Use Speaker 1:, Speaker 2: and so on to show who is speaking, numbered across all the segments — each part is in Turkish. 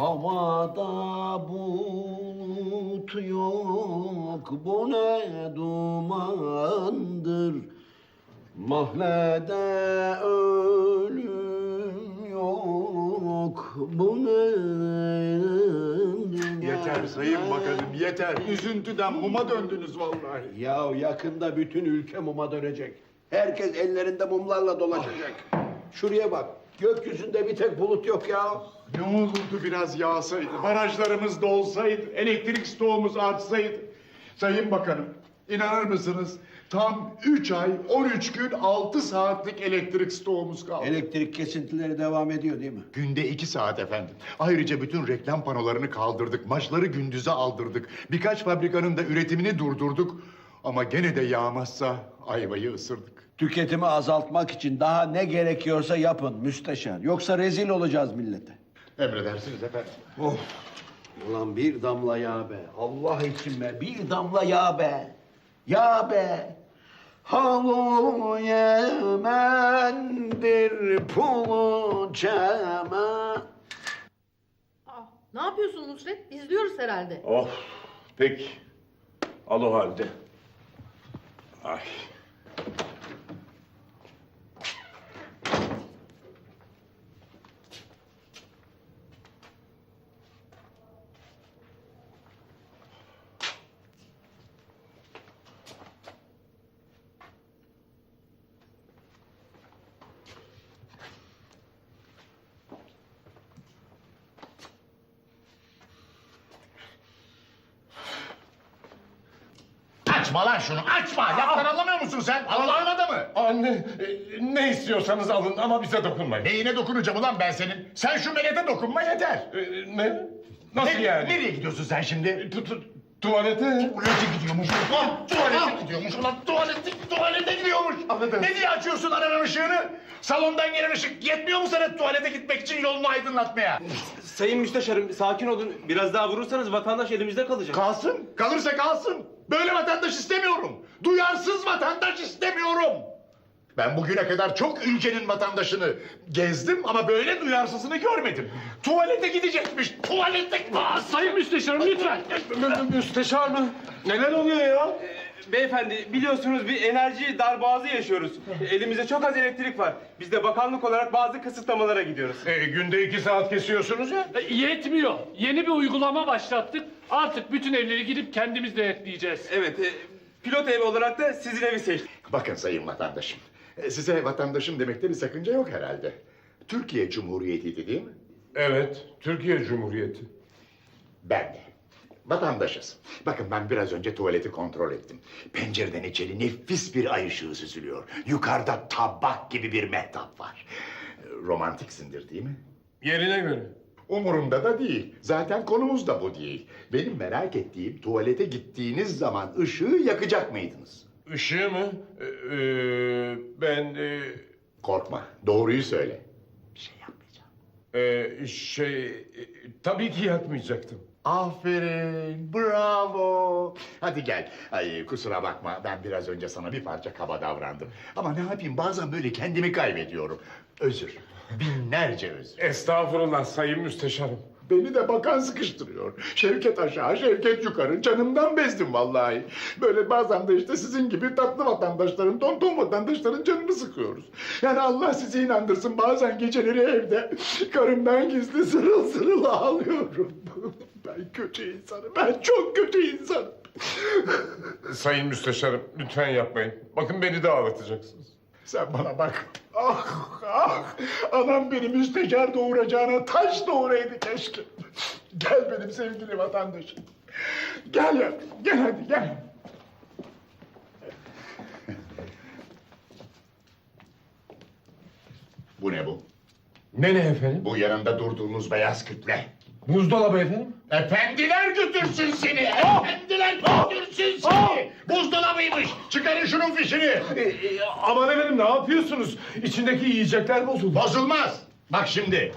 Speaker 1: Havada bulut yok, bu ne dumandır. Mahallede ölüm yok, bu ne...
Speaker 2: Yeter Sayın Bakanım, yeter. Üzüntüden muma döndünüz vallahi.
Speaker 1: Ya yakında bütün ülke muma dönecek. Herkes ellerinde mumlarla dolaşacak. Şuraya bak, gökyüzünde bir tek bulut yok ya.
Speaker 2: Ne olurdu biraz yağsaydı, barajlarımız dolsaydı, elektrik stoğumuz artsaydı. Sayın Bakanım, inanır mısınız? Tam 3 ay, 13 gün, 6 saatlik elektrik stoğumuz kaldı.
Speaker 1: Elektrik kesintileri devam ediyor değil mi?
Speaker 2: Günde 2 saat efendim. Ayrıca bütün reklam panolarını kaldırdık, maçları gündüze aldırdık. Birkaç fabrikanın da üretimini durdurduk. Ama gene de yağmazsa ayvayı ısırdık.
Speaker 1: Tüketimi azaltmak için daha ne gerekiyorsa yapın müsteşar. Yoksa rezil olacağız millete.
Speaker 2: Emredersiniz efendim.
Speaker 1: Of! Ulan bir damla yağ be. Allah için be. Bir damla yağ be. Yağ be. Halu Yemen'dir pulu çemen.
Speaker 3: Aa, ne yapıyorsun Nusret? İzliyoruz herhalde.
Speaker 4: Of, peki. Al o halde. Ay.
Speaker 2: Açma lan şunu, açma! Laftan anlamıyor musun sen? Allah'ın adamı!
Speaker 4: Anne, ne istiyorsanız alın ama bize dokunmayın.
Speaker 2: Neyine dokunacağım ulan ben senin? Sen şu melete dokunma yeter!
Speaker 4: Ne? Nasıl yani?
Speaker 2: Nereye gidiyorsun sen şimdi?
Speaker 4: Tuvalete.
Speaker 2: Tuvalete gidiyormuş. Tuvalete gidiyormuş ulan. Tuvalete gidiyormuş.
Speaker 4: Affedersin.
Speaker 2: Ne diye açıyorsun aranın ışığını? Salondan gelen ışık yetmiyor mu sana tuvalete gitmek için yolunu aydınlatmaya?
Speaker 5: Sayın Müsteşarım sakin olun. Biraz daha vurursanız vatandaş elimizde kalacak.
Speaker 2: Kalsın. Kalırsa kalsın. Böyle vatandaş istemiyorum. Duyarsız vatandaş istemiyorum. Ben bugüne kadar çok ülkenin vatandaşını gezdim ama böyle duyarsızını görmedim. Tuvalete gidecekmiş. Tuvalete...
Speaker 4: Sayın Müsteşarım lütfen. Müsteşar mı? Neler oluyor ya?
Speaker 5: Beyefendi biliyorsunuz bir enerji darboğazı yaşıyoruz. Elimizde çok az elektrik var. Biz de bakanlık olarak bazı kısıtlamalara gidiyoruz.
Speaker 4: Günde 2 saat kesiyorsunuz ya.
Speaker 6: Yetmiyor. Yeni bir uygulama başlattık. Artık bütün evleri gidip kendimiz denetleyeceğiz.
Speaker 5: Evet, pilot ev olarak da sizin evi seçtik.
Speaker 2: Bakın sayın vatandaşım. Size vatandaşım demekte bir sakınca yok herhalde. Türkiye Cumhuriyeti'ydi değil mi?
Speaker 4: Evet, Türkiye Cumhuriyeti.
Speaker 2: Ben de. Vatandaşız. Bakın ben biraz önce tuvaleti kontrol ettim. Pencereden içeri nefis bir ay ışığı süzülüyor. Yukarıda tabak gibi bir mehtap var. Romantiksindir değil mi?
Speaker 4: Yerine göre.
Speaker 2: Umurumda da değil. Zaten konumuz da bu değil. Benim merak ettiğim tuvalete gittiğiniz zaman ışığı yakacak mıydınız?
Speaker 4: Işığı mı? Ben
Speaker 2: Korkma. Doğruyu söyle. Bir şey yapmayacağım.
Speaker 4: tabii ki yakmayacaktım.
Speaker 2: Aferin, bravo. Hadi gel. Ay kusura bakma, ben biraz önce sana bir parça kaba davrandım. Ama ne yapayım, bazen böyle kendimi kaybediyorum. Özür, binlerce özür.
Speaker 4: Estağfurullah Sayın Müsteşarım.
Speaker 2: Beni de bakan sıkıştırıyor. Şevket aşağı, Şevket yukarı. Canımdan bezdim vallahi. Böyle bazen de işte sizin gibi tatlı vatandaşların, tonton vatandaşların canını sıkıyoruz. Yani Allah sizi inandırsın, bazen geceleri evde karımdan gizli sırıl sırıl ağlıyorum. Ben kötü insanım, ben çok kötü insanım.
Speaker 4: Sayın Müsteşarım lütfen yapmayın. Bakın beni de ağlatacaksınız.
Speaker 2: Sen bana bak. Ah ah! Anam beni müsteşar doğuracağına taş doğuraydı keşke. Gel benim sevgili vatandaşım. Gel ya, gel hadi gel. Bu ne bu?
Speaker 4: Ne efendim?
Speaker 2: Bu yanında durduğunuz beyaz kütle.
Speaker 4: Buzdolabı efendim.
Speaker 2: Efendiler götürsün seni! Efendiler götürsün seni! Buzdolabıymış! Çıkarın şunun fişini!
Speaker 4: Aman efendim ne yapıyorsunuz? İçindeki yiyecekler bozuldu.
Speaker 2: Bozulmaz! Bak şimdi!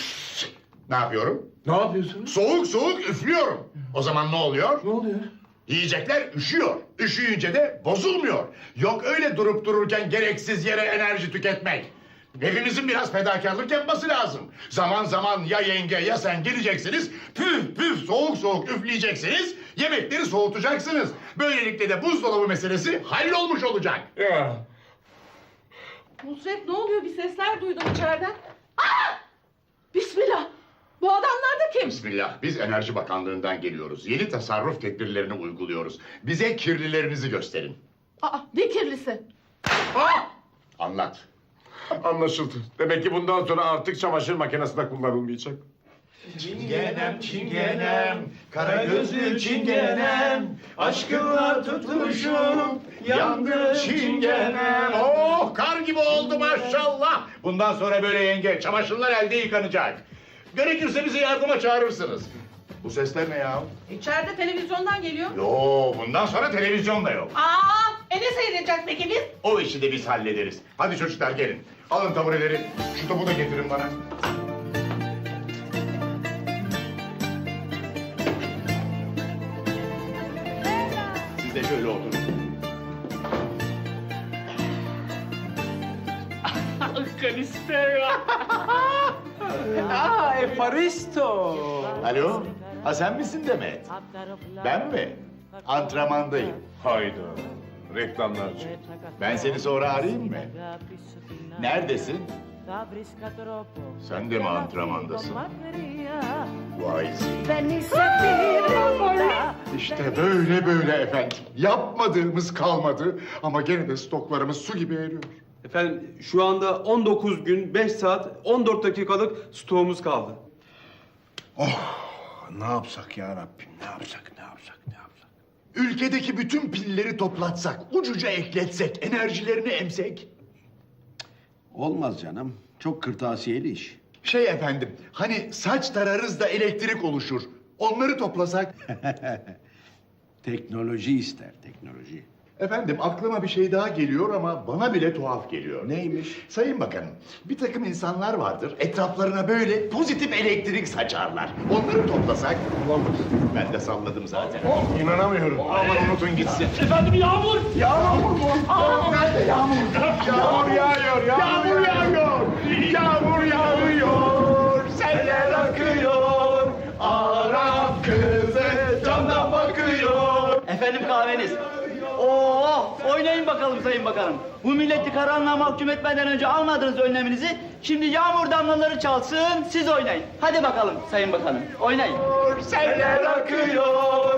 Speaker 2: Ne yapıyorum?
Speaker 4: Ne yapıyorsunuz?
Speaker 2: Soğuk soğuk üflüyorum. O zaman ne oluyor?
Speaker 4: Ne oluyor?
Speaker 2: Yiyecekler üşüyor. Üşüyünce de bozulmuyor. Yok öyle durup dururken gereksiz yere enerji tüketmek. Hepimizin biraz fedakarlık yapması lazım. Zaman zaman ya yenge ya sen geleceksiniz, püf püf soğuk soğuk üfleyeceksiniz, yemekleri soğutacaksınız. Böylelikle de buzdolabı meselesi hallolmuş olacak.
Speaker 4: Ya.
Speaker 3: Nusret ne oluyor? Bir sesler duydum içeriden. Aa! Bismillah. Bu adamlar da kim?
Speaker 2: Bismillah, biz Enerji Bakanlığı'ndan geliyoruz. Yeni tasarruf tedbirlerini uyguluyoruz. Bize kirlilerinizi gösterin.
Speaker 3: Aa, ne kirlisi?
Speaker 2: Anlat.
Speaker 4: Anlaşıldı. Demek ki bundan sonra artık çamaşır makinesi de kullanılmayacak.
Speaker 2: Çingenem, çingenem, kara gözlü çingenem, aşkınla tutmuşum, yandı çingenem. Oh, kar gibi oldu maşallah. Bundan sonra böyle yenge, çamaşırlar elde yıkanacak. Gerekirse bizi yardıma çağırırsınız. Bu sesler ne ya?
Speaker 3: İçeride televizyondan geliyor.
Speaker 2: Yo, bundan sonra televizyon da yok.
Speaker 3: Aa, ne seyredeceğiz peki biz?
Speaker 2: O işi de biz hallederiz. Hadi çocuklar gelin. Alın tabureleri. Şu topu da getirin bana. Siz de şöyle oturun.
Speaker 6: Kalisteo.
Speaker 5: Efaristo.
Speaker 2: Alo? Ha sen misin Demet? Ben mi? Antrenmandayım.
Speaker 4: Hayda. Reklamlarcı.
Speaker 2: Ben seni sonra arayayım mı? Neredesin?
Speaker 7: Sen de mi antrenmandasın?
Speaker 2: Vay
Speaker 7: Venisse a
Speaker 2: İşte böyle efendim. Yapmadığımız kalmadı ama gene de stoklarımız su gibi eriyor.
Speaker 5: Efendim şu anda 19 gün 5 saat 14 dakikalık stoğumuz kaldı.
Speaker 1: Ne yapsak ya Rabbim? Ne yapsak?
Speaker 2: Ülkedeki bütün pilleri toplatsak, ucuca ekletsek, enerjilerini emsek.
Speaker 1: Olmaz canım. Çok kırtasiyeli iş.
Speaker 2: Şey efendim, hani saç tararız da elektrik oluşur. Onları toplasak.
Speaker 1: Teknoloji ister, teknoloji.
Speaker 2: Efendim aklıma bir şey daha geliyor ama bana bile tuhaf geliyor.
Speaker 1: Neymiş?
Speaker 2: Sayın Bakanım, bir takım insanlar vardır, etraflarına böyle pozitif elektrik saçarlar. Onları toplasak... Ben de salladım zaten.
Speaker 4: İnanamıyorum.
Speaker 2: Aman unutun gitsin.
Speaker 6: Efendim yağmur.
Speaker 2: Yağmur mu? Nerede yağmur? Yağmur yağıyor, yağmur yağıyor. Yağmur yağıyor, seller akıyor. Arap kızı camdan bakıyor.
Speaker 8: Efendim kahveniz. Oo, oynayın bakalım Sayın Bakanım. Bu milleti karanlığa mahkum etmeden önce almadınız önleminizi. Şimdi yağmur damlaları çalsın, siz oynayın. Hadi bakalım Sayın Bakanım, oynayın.
Speaker 2: Seller akıyor.